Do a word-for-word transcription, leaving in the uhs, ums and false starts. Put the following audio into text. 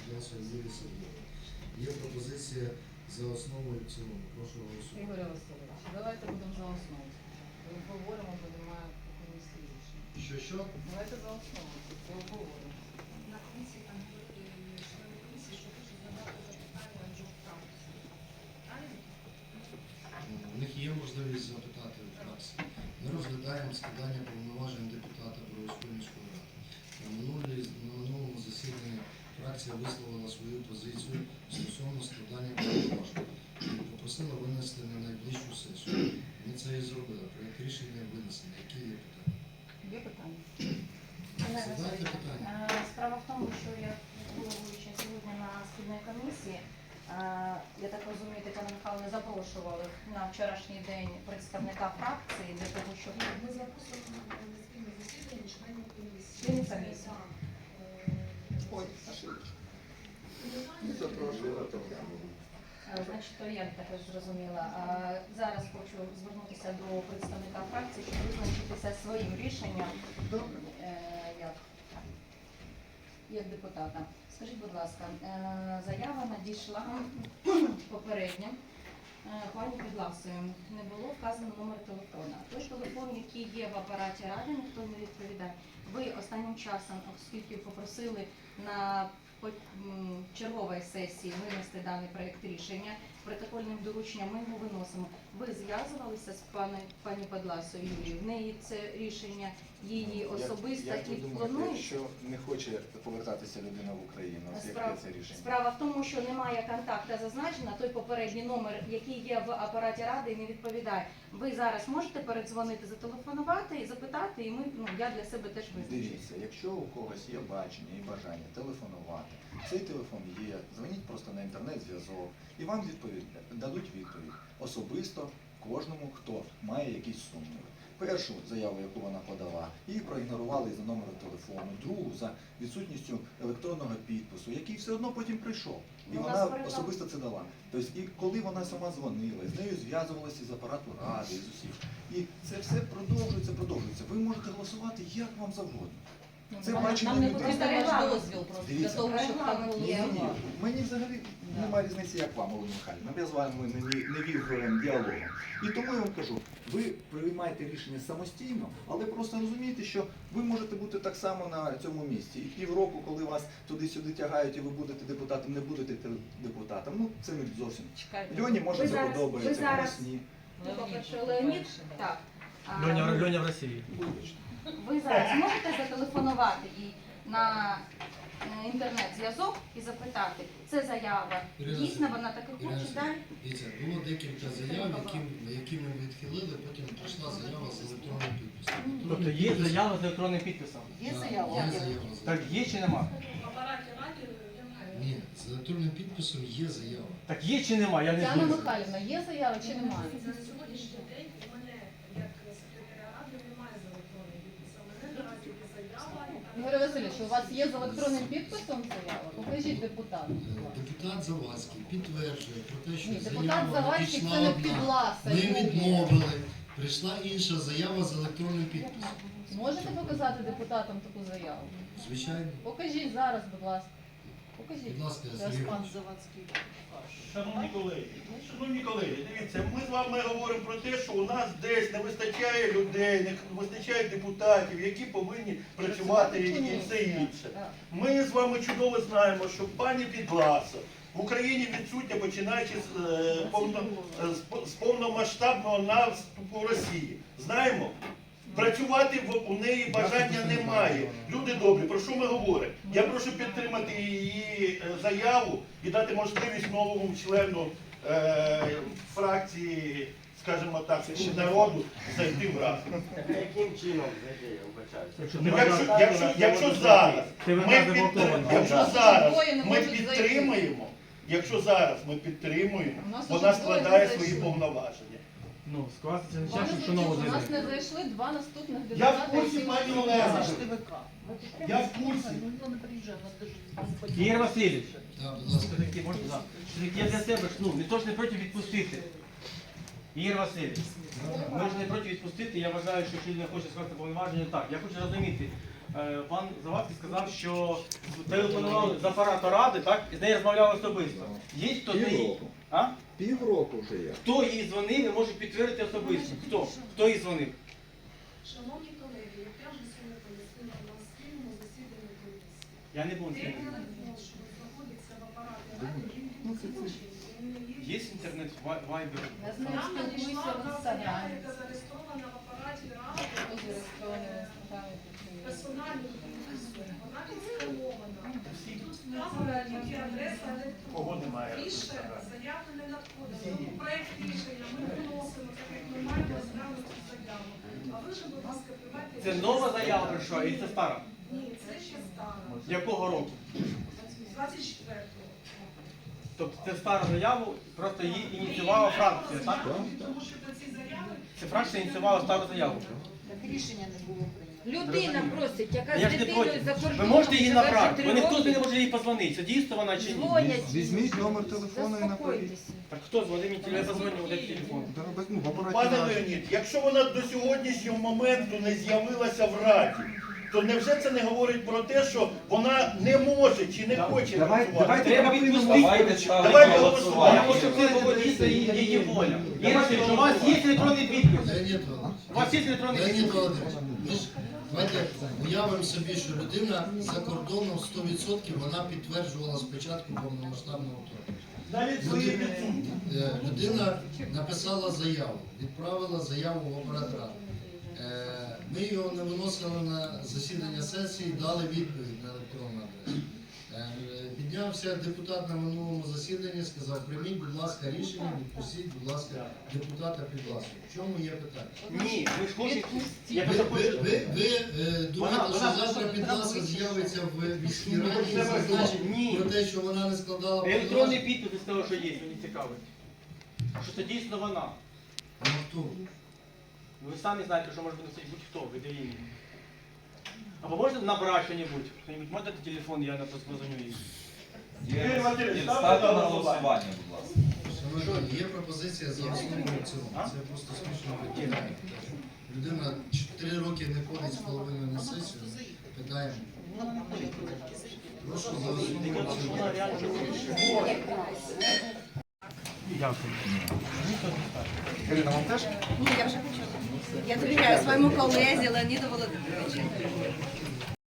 Підласова Юрія Сергійовна. Є пропозиція за основу і в цілому. Прошу голосувати. Ігор Васильович, давайте будемо за основу. Обговоримо, бо немає комісії рішення. Що, що? Давайте за основу. Це обговоримо. На комісії там говорили члени комісії, що хочуть задати запитання вже в фракції. Правильно? У них є можливість запитати в фракції. Ми розглядаємо складання повноважень депутата Броварської міської ради. На минулій- на минулому засіданні фракція висловила свою позицію стосовно складання повноважень і попросила винести на найближчу сесію. Ми це і зробили. Проєкт рішення винесено. Які є питання? Є питання? Задайте питання. Е, Справа в тому, що я головуюча сьогодні на спільній комісії, е, я так розумію, Тетяна Михайловна запрошували на вчорашній день представника фракції для того, щоб Ми записуємо на спільне засідання членів комісії. Членів комісії. Так. Ой, Не запрошувала. Е, Значить, то я також зрозуміла. А зараз хочу звернутися до представника фракції, щоб визначитися своїм рішенням е, як, як депутата. Скажіть, будь ласка, е, заява надійшла попередньо. Е, Пані Підласою не було вказано номер телефона. Той телефон, який є в апараті ради, ніхто не відповідає. Ви останнім часом, оскільки попросили на по- м, черговій сесії винести даний проєкт рішення, протокольним дорученням ми його виносимо. Ви зв'язувалися з пані, пані Підласою Юлією? В неї це рішення її особисте Як ви і думаєте, планується? якщо не хоче повертатися людина в Україну, з яке Справа, це рішення? справа в тому, що немає контакту зазначено, той попередній номер, який є в апараті ради, не відповідає. Ви зараз можете передзвонити, зателефонувати і запитати, і ми, ну, я для себе теж визначу. Дивіться, якщо у когось є бачення і бажання телефонувати, цей телефон є, дзвоніть просто на інтернет-зв'язок і вам відповідь дадуть відповідь особисто кожному, хто має якісь сумніви. Першу заяву, яку вона подала, її проігнорували за номером телефону, другу за відсутністю електронного підпису, який все одно потім прийшов. І Ну, вона нас передав- особисто це дала. Тобто, і коли вона сама дзвонила, з нею зв'язувалася з апарату ради, з усіх. І це все продовжується, продовжується. Ви можете голосувати як вам завгодно. Це Нам- бачення Нам не людей. потрібен ваш Регламент. дозвіл просто для Дивіться. того, щоб так Регламент було. є. Ні, ні, мені взагалі Да. немає різниці, як вам, Олена Михайлівна. Я з вами не, ві- не вів е, діалогом. І тому я вам кажу, ви приймаєте рішення самостійно, але просто розумієте, що ви можете бути так само на цьому місці. І півроку, коли вас туди-сюди тягають і ви будете депутатом, не будете те- депутатом, ну це не зовсім. Чекайте. Льоні може Ви це зараз- ви подобається, зараз- комусь ні. Ну, по-перше, щоб Леонід, дальше, да. так. А, Льоня, Льоня в Росії. Ви зараз можете зателефонувати і на е, інтернет-зв'язок і запитати, це заява Ірина дійсно, вона так і Ірина хоче далі? Дивіться, було декілька заяв, які, які ми відхилили, потім прийшла заява з електронним підписом. Тобто є заява з електронним підписом. Є Так, заява? Є заява. з Так є чи нема? В апараті раді немає. Ні, з електронним підписом є заява. Так є чи нема? Я не Тетяна знаю. Михайлівна, є заява чи немає? На сьогоднішній день у мене, як секретаря ради, немає з електронним підписом. У мене наразі є заява. яка- Ігор Васильович, у вас є з електронним підписом заява? Покажіть депутату. будь ласка. Депутат Завадський підтверджує про те, що Ні, депутат заява Завадський надійшла це не одна. Підласа. Ми Юлія. відмовили. Прийшла інша заява з електронним підписом. Можете показати депутатам таку заяву? Звичайно. Покажіть зараз, будь ласка. Покажіть. Будь ласка, Зараз Сергій пан Іванович. Завадський. Шановні колеги, шановні колеги, дивіться, ми з вами говоримо про те, що у нас десь не вистачає людей, не вистачає депутатів, які повинні працювати і все інше. Так. Ми з вами чудово знаємо, що пані Підласа в Україні відсутня, починаючи з, е, повно, з, з повномасштабного наступу Росії. Знаємо? Працювати в, у неї бажання немає. Люди добрі, про що ми говоримо? Я прошу підтримати її е, заяву і дати можливість новому члену е, фракції, скажімо так, народу зайти в раду. Яким чином зайти, я вибачаюся? Якщо Ну, ти якщо, вважаєш- якщо, якщо зараз Ти ми вважаєш підтримуємо, заблоковано. якщо У нас зараз двоє не ми можуть зайти. підтримуємо, якщо зараз ми підтримуємо, У нас вона уже двоє складає не свої зайшли. повноваження. Ну, скласти це не Пане час, що Суддю, нового у нас не зайде. зайшли два наступних Я депутати. в курсі, які пані можуть Олена. залишити ВК. Я в курсі. Ігор Васильович, Так, будь ласка. все-таки можна, да. Все-таки я для себе ж, ну, ніхто ж не проти відпустити. Ігор Васильович, ми ж не проти відпустити, я вважаю, що якщо не хоче скласти повноваження, так. Я хочу розуміти, е, пан Завадський сказав, що телефонували з апарату ради, так, і з нею розмовляли особисто. Є хто з неї? Півроку. А? Півроку вже є. Хто їй дзвонив і може підтвердити особисто? Хто? Хто їй дзвонив? Шановні колеги, як я вже сьогодні пояснила на спільному засіданні комісії, Я не був. той телефон, що знаходиться в апараті ради, він відключений. Він не Є інтернет, вай- вайбер? Я з ним Я надійшла спілкуюся в одна заява, інстаграмі. яка зареєстрована в апараті ради, Хто зареєстрований в інстаграмі? персональну підпису. Вона відсканована. Тут вказана тільки адреса електронна. Кого немає? Більше заяви не надходить. Тому проект рішення ми виносимо, так як ми маємо розглянути заяву. А ви ж, будь ласка, приймайте Це рішення. нова заява прийшла, і це стара? Ні, це ще стара. Якого року? двадцять четвертого. Тобто це стара заява, просто її ініціювала фракція, так? Тому що до ці заяви Це фракція ініціювала стару заяву. Так рішення не було прийнято. Людина просить, яка Я з ж не дитиною проти. за Ви кордоном можете її живе вже направити, три бо ніхто роки. не може їй позвонити. Це дійсно вона чи ні? Дзвонять. Візьміть номер телефону і наберіть. Заспокойтеся. Так хто дзвонив мені телефон, позвонив, де телефон? Да, без- ну, в апараті Пане ради. Леонід, якщо вона до сьогоднішнього моменту не з'явилася в Раді, то невже це не говорить про те, що вона не може чи не хоче Давай- працювати? давайте Треба припинимо. відпустити. Давайте Я голосувати. хочу, щоб це було дійсно її її воля. Ігор Васильович, у вас є електронний підпис? Леонід Володимирович, У вас є електронний Леонід підпис? Володимирович, ми ж давайте уявимо собі, що людина за кордоном сто відсотків вона підтверджувала спочатку повномасштабного вторгнення. Навіть свої відсутні. Е, Людина написала заяву, відправила заяву в апарат ради. Е, Ми його не виносили на засідання сесії, дали відповідь на електронну адресу. Е, Піднявся депутат на минулому засіданні, сказав, прийміть, будь ласка, рішення, відпустіть, будь ласка, депутата Підласу. В чому є питання? Ні, ви ж хочете. Я Ви, просто ви, хочу. ви, ви е, думаєте, Вона- що вона- завтра Підласа з'явиться в міській раді і Ні. зазначить про те, що вона не складала Електронний повноважень? підпис ви сказали, що є, мені цікавить. Що це дійсно вона. Ну, хто? Ви самі знаєте, що може виносити будь-хто, ви даєте. Або можете набрати що-небудь? Хто-небудь може дати телефон, я на то позвоню їй. Ігор Васильович, ставте Ставте на на голосування. голосування, будь ласка. Шановні, є пропозиція за основу і в цілому. А? Це просто смішно питання. Людина чотири роки не ходить з половиною на сесію. Питаємо. Прошу за основу і в цілому. Вона реально Дякую. Ірина, вам теж? Ні, я вже почула. Я довіряю своєму колезі Леоніду Володимировичу.